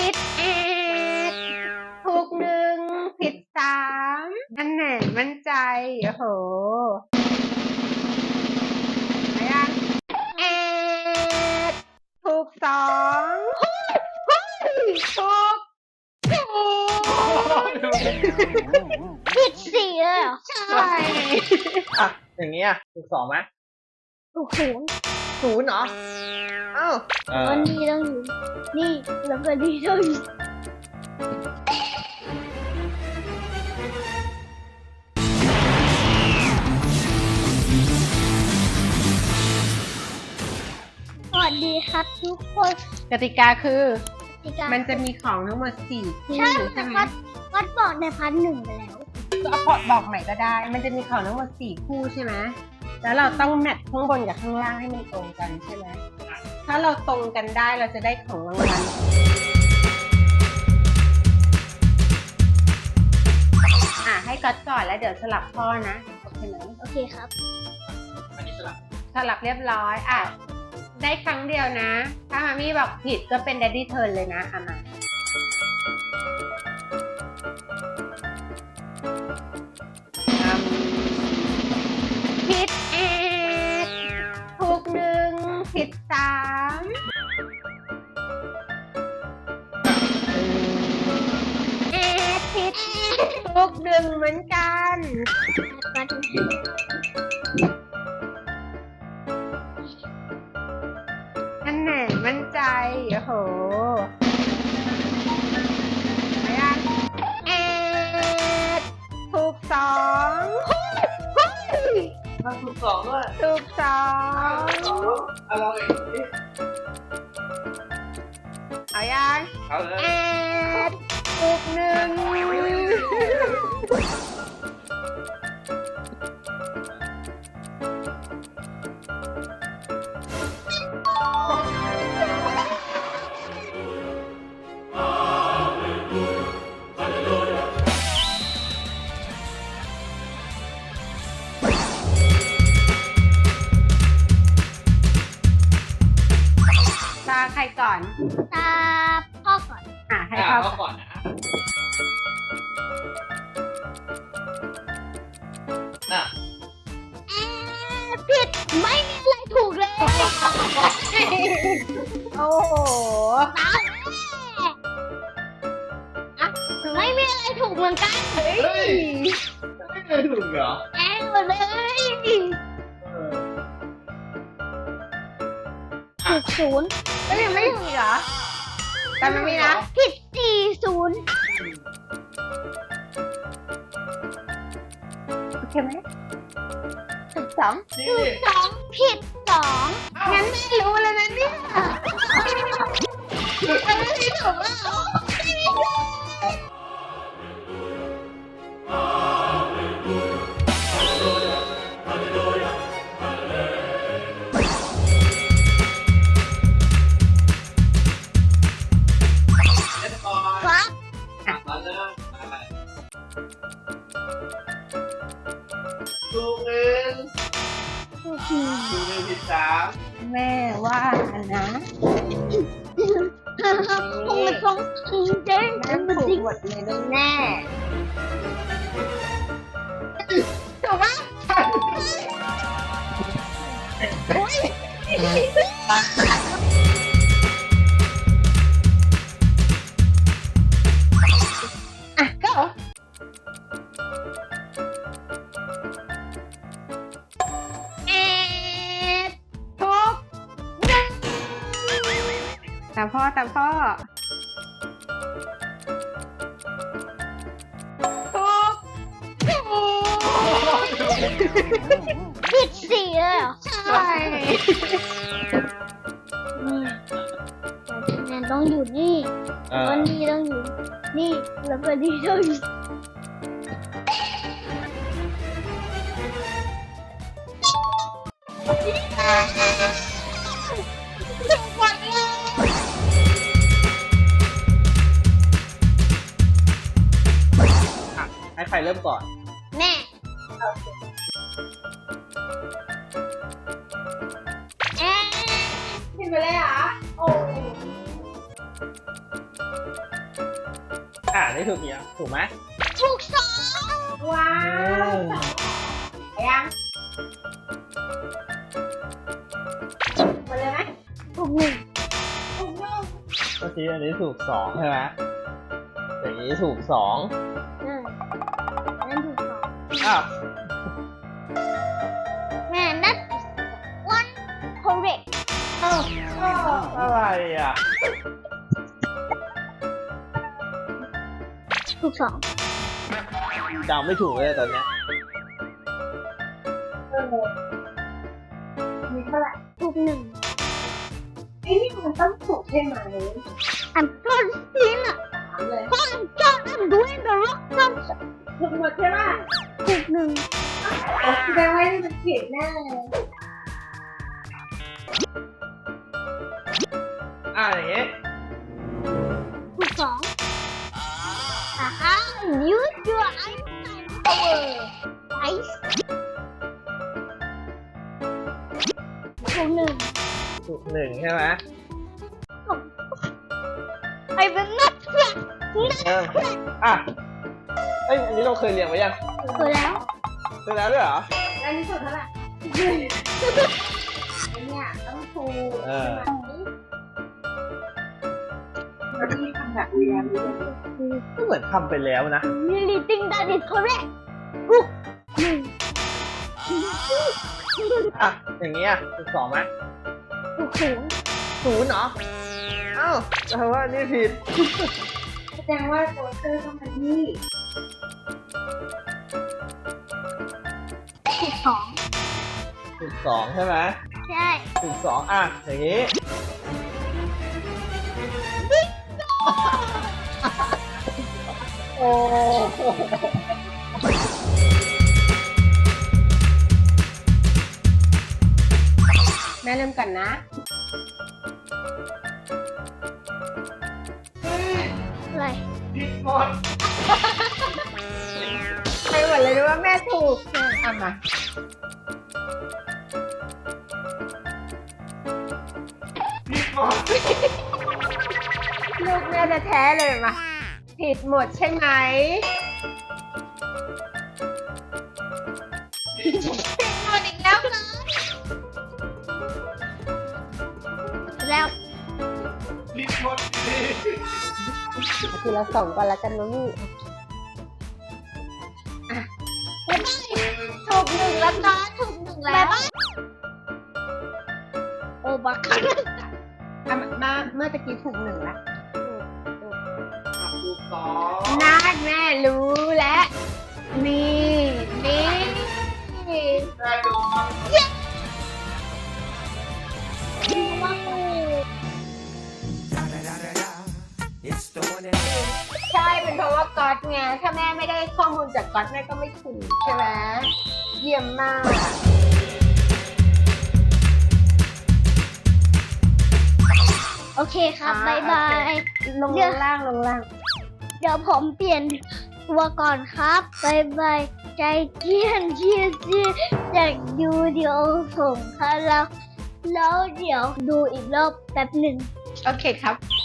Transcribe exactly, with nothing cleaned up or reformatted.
ผิดเอ็ดถูกหนึ่งผิดสามอันไหนมั่นใจโอ้โหมายังเอ็ดถูกสองถูกถูกผิดสี่เลยเหรอใช่อ่ะอย่างนี้อ่ะถูกสองไหมถูกศูนย์ศูนย์เหรออ้าววันนี้ต้องอยู่นี่แล้วก็นี่ต้องอยู่สวัสดีครับทุกคนกติกาคือกติกามันจะมีของทั้งหมดสี่คู่ใช่ใช่ไหมวัดวัดบอกในพันหนึ่งไปแล้วก็เอาพอดบอกใหม่ก็ได้ มันจะมีของทั้งหมดสี่คู่ใช่ไหมแล้วเราต้องแมทข้างบนกับข้างล่างให้มันตรงกันใช่ไหมถ้าเราตรงกันได้เราจะได้ของรางวัลอ่ะให้ก๊อตก่อนแล้วเดี๋ยวสลับพ่อนะโอเคไหมโอเคครับอันนี้สลับสลับเรียบร้อยอ่ะได้ครั้งเดียวนะถ้ามามี่บอกผิดก็เป็น Daddy Turn เลยนะอ่ะมาผิดเอ็ดถูกหนึ่งผิดสามเอ็ดผิดถูกหนึ่งเหมือนกันอันไหนมั่นใจโอ้โหมายังเอ็ดถูกสองถูกสองด้วยถูกสองเอาลองอีกดิเอายังเอาเลยเอ็ดถูกหนึ่งตาใครก่อนตาพ่อก่อนอ่ะให้อ่ะพ่อเอาก่ก่อนอนนะน่ะเอ๊ะผิดไม่มีอะไรถูกเลยโอ้โหตามแม่ไม่มีอะไรถูกเหมือนกันเฮ้ยไม่เคยถูกเหรอแอนหมดเลยเออถูกศูนย์ก็ยังไม่ถูกเหรอแต่มันมีนะผิดสี่ศูนย์โอเคไหมถูกสองนี่สองผิดสองงั้นไม่รู้เลยนะเนี่ยอันนี้ถูกว่าเล่นก่อนครับมาเริ่มอะไรถูกหนึ่งถูกสี่ถูกหนึ่งผิดสามแม่ว่านะคงมันสองจริงจริงแม่ถูกหมดเลยแน่ถูกปะโอ๊ยอ่ะก็เอ็ดถูกหนึ่งตามพ่อตามพ่อถูกถูกผิดสี่เลยเหรอใช่นี่แอนต้องอยู่นี่เออวันนี้ต้องอยู่นี่แล้วก็นี่ต้องอยู่อ่ะให้ใครเริ่มก่อนแม่ แอนผิดไปเลยเหรอโอ้อ่านี่ถูกเนี่ยถูกไหมถูกสองว้าวอืมยังหมดเลยไหมถูกหนึ่งถูกต้องเมื่อกี้อันนี้ถูกสองใช่ไหมอย่างนี้ถูกสองอืมนั่นถูกสองอ้าวแม่นั่น one correct เอ้าก็อะไรอ่ะถูกสองจำไม่ถูกเลยตอนเนี้ยเออมีเท่าไหร่ถูกหนึ่งไอ้นี่มันต้องถูกใช่ไหม I'm first in อ่ะถามเลย I'm John I'm doing the rock dance ถูกหมดใช่ป่ะถูกหนึ่งแสดงว่านี่มันผิดแน่เลยอ่าอย่างงี้ถูกสองอ่าฮะ use your Einstein power ice ถูกหนึ่งถูกหนึ่งใช่ไหม I will not crack เอออ่ะเอ้ยอันนี้เราเคยเรียนไว้ยังถูกแล้วเคยแล้วด้วยเหรอแล้วนี่ถูกเท่าไหร่ไอ้เนี่ยต้องถูกเออใช่ไหมแล้วนี่ทำแบบเรียนหรือยังก็เหมือนทำไปแล้วนะ really think that is correct ถูกหนึ่งอ่ะ อย่างนี้อ่ะถูกสองไหมถูกศูนย์ศูนย์เหรออ้าวแปลว่านี่ผิดแสดงว่าโจเซอร์ต้องมาที่ถูกสองถูกสองใช่ไหมใช่ถูกสองอ่ะ อย่างนี้ โอ้โหแม่เริ่มกันนะอะไรผิดหมดใครหมดเลยรู้ว่าแม่ถูกเอามาผิดหมดลูกแม่จะแท้ๆเลยมาผิดหมดใช่ไหมผิดหมดอีกแล้วนะแล้วผิดหมดทีละสองก่อนละกันนะลูกอ่ะถูกหนึ่งแล้วนะถูกหนึ่งแล้วโอ้บักคันอ่ะมาเมื่อตะกี้ถูกหนึ่งละถูกสองน่าแม่รู้แล้วนี่นี่ได้ดูมั้งว้าวใช่เป็นเพราะว่าก๊อตไงถ้าแม่ไม่ได้ข้อมูลจากก๊อตแม่ก็ไม่ถูกใช่ไหมเยี่ยมมากโอเคครับอ่าบายบายลงล่างลงล่างเดี๋ยวผมเปลี่ยนตัวก่อนครับบายบายใจเกียนเชียร์ซีจากดูเดี๋ยวส่งครับแล้วแล้วเดี๋ยวดูอีกรอบแป๊บหนึ่งโอเคครับ